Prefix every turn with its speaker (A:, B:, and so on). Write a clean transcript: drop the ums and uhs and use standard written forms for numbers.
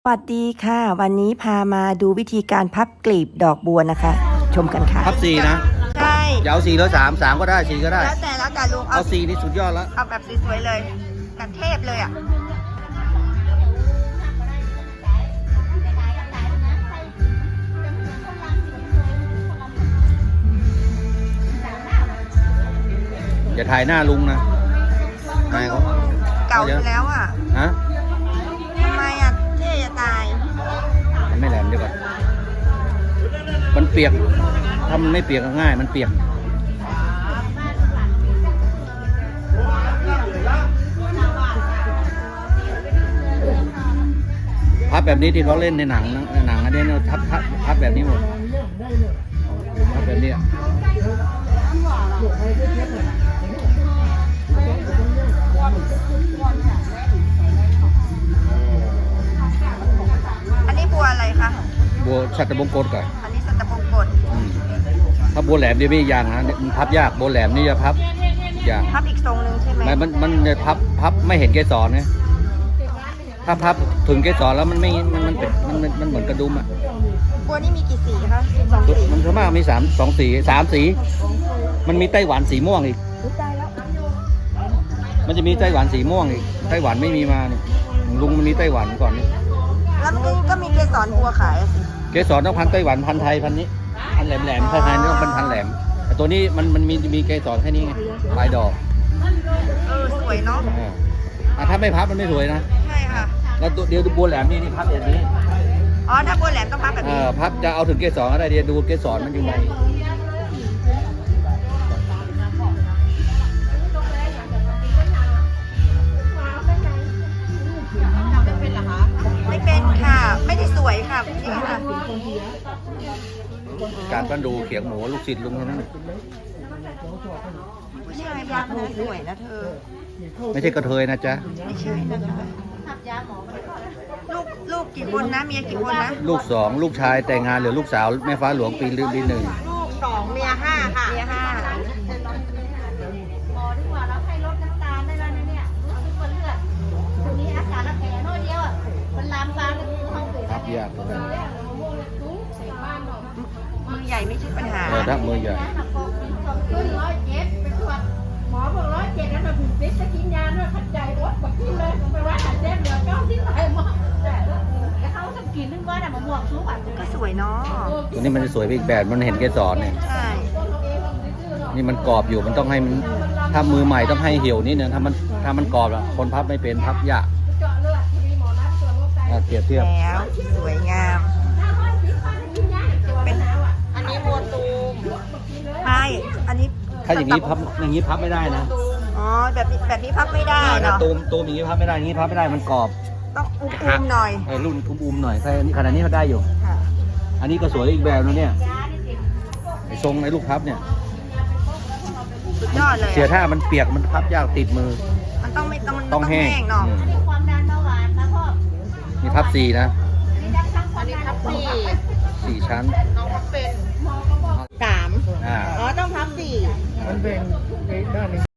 A: สวัสดีค่ะวันนี้พามาดูวิธีการพับกลีบดอกบัวนะคะ ชมกันค่ะ
B: พับสี่นะ
A: ใช่
B: อย่าเอาสี่แล้วสามก็ได้สี่ก็ได้
A: แล้วแต่ลุง
B: เอาสี่นี่สุดยอดแล้ว
A: เอาแบบสวยๆเลยกันเทพเลยอ่ะ
B: อย่าถ่ายหน้าลุงนะนายเขา
A: เก่าอยู่แล้วอ่ะ
B: ฮะ
A: ทำไมอ่ะเท่จะตาย
B: มันไม่แหลมเดี๋ยวก่อนมันเปียกถ้ามันไม่เปียกก็ง่ายมันเปียกพับแบบนี้ที่เขาเล่นในหนังอันนี้เนี่ยพับแบบนี้หมดพับแบบนี้
A: อันนี้บัวอะไรคะ
B: บัวชัตรบงกฎก่อน
A: อันนี้สัตบงกฎ
B: ถ้าบัวแหลมเดี๋ยวไม่ยางนะมันพับยากบัวแหลมนี่จะพับยาก
A: พับอีกทรงหนึ่งใช่ไหม
B: มันจะพับไม่เห็นเกสรไงถ้าพับถึงเกสรแล้วมันไม่มันเหมือนกระดุมอ่ะ
A: บัวนี่มีกี่สีคะ12 สี
B: มันส่วนมากมีสองสี มันมีไต้หวันสีม่วงอีก
A: ได้แล้ว
B: มันจะมีไต้หวันสีม่วงอีกไต้หวันไม่มีมาเนี่ยลุงมันมีไต้หวันก่อนนี่
A: แล้วมันก็มีเกสรบัวขายอะสิ
B: เกสรต้องพันไต้หวันพันไทยพันนี้พันแหลมไทยนี่ต้องเป็นพันแหลมแต่ตัวนี้มันมีเกสรแค่นี้ไงลายดอก
A: สวยเนาะ
B: ถ้าไม่พับมันไม่สวยนะ
A: ใช่ค่ะ
B: แล้วเดี๋ยวดูบัวแหลมนี่พับอย่างนี้
A: อ๋อถ้าบัวแหลมต้องพับแบบนี้
B: พับจะเอาถึงเกสรก็ได้เดี๋ยวดูเกสรมันอยู่ใน
A: ไม่เป็นค่ะ ไม่ได้สวยค่ะนี่ค่ะ
B: การปั้นดูเขียงหมูลูกศิษย์ลุงเท่านั้น
A: ผู้ชายพับนะสวยนะเธอ
B: ไม่ใช่กระเทยนะจ๊ะ
A: ไม่ใช่นะคะลูกกี่คนนะเมียกี่คนนะ
B: ลูก2ลูกชายแต่งงานเหลือลูกสาวแม่ฟ้าหลวงปี1
A: ลูก2เมีย5ค่ะเมีย5
C: หมอดีกว่าเราให้ลดน้ำตาลได้แล้วนะเนี่ยรู้สึกว่าเลือดตรงนี้อาการละแผลน้อยเดียวอ่ะมันลามปามไปถึงห้องเกิด
B: พับยากเหมือนกัน
A: มือใหญ่ไม่ใช่ปัญหา
B: ถ้ามือใหญ่
C: ขึ้น107ไปตรวจหมอบอก107แล้วเราถึงฟิตจะกินยาด้วยขัดใจรถบอกกินเลยไปว่าขัดเจ็บเหลือ9ที่ไหนหมอแต่เขาจะกินนึงว่าน่ะมะม่วงชุบอ่ะ
A: ก็สวยเนาะ
B: ตัวนี้มันจะสวยไปอีกแบบมันเห็นเกสรเนี่ย
A: ใช่
B: นี่มันกรอบอยู่มันต้องให้มันถ้ามือใหม่ต้องให้เหี่ยวนิดนึงถ้ามันกรอบอะคนพับไม่เป็นพับยาก
C: เจาะเลือดมีหมอนัดตรวจโรคไต
B: เปรียบเทียบ
A: แล้วสวยงาม
C: ถ้าห้อยพิษป้าจะกินยาตัวเป็นแล้วอ่ะ
A: อันนี้บัวตูมใช่อันนี้
B: ถ้าอย่างนี้พับไม่ได้นะ
A: อ๋อแบบนี้พับไม่ได้เนาะ
B: ตูมอย่างนี้พับไม่ได้อย่างนี้พับไม่ได้มันกรอบ
A: ต้องอุ้มๆหน่อย
B: รุ่นอุ้มหน่อยใช่ขนาดนี้เขาได้อยู่
A: ค่ะ
B: อันนี้ก็สวยอีกแบบนะเนี่ยไอ้ทรงไอ้ลูกพับเนี่ย
A: สุดยอดเลย
B: เสียท่ามันเปียกมันพับยากติดมือ
A: มันต้องไม่ต้อง
B: ต้องแห้ง
A: เนาะ
C: ความดันเบาหวานนะพ่อ
B: นี่พับ4นะ
C: นี่ดักทั้งความดันทั้งความดัน
B: 4 ชั้น
A: น้องพับเป็น
C: หมอก็บอก
A: 3
B: อ่า
A: อ๋อต้องพับ4
D: มันเป็นด้านนี้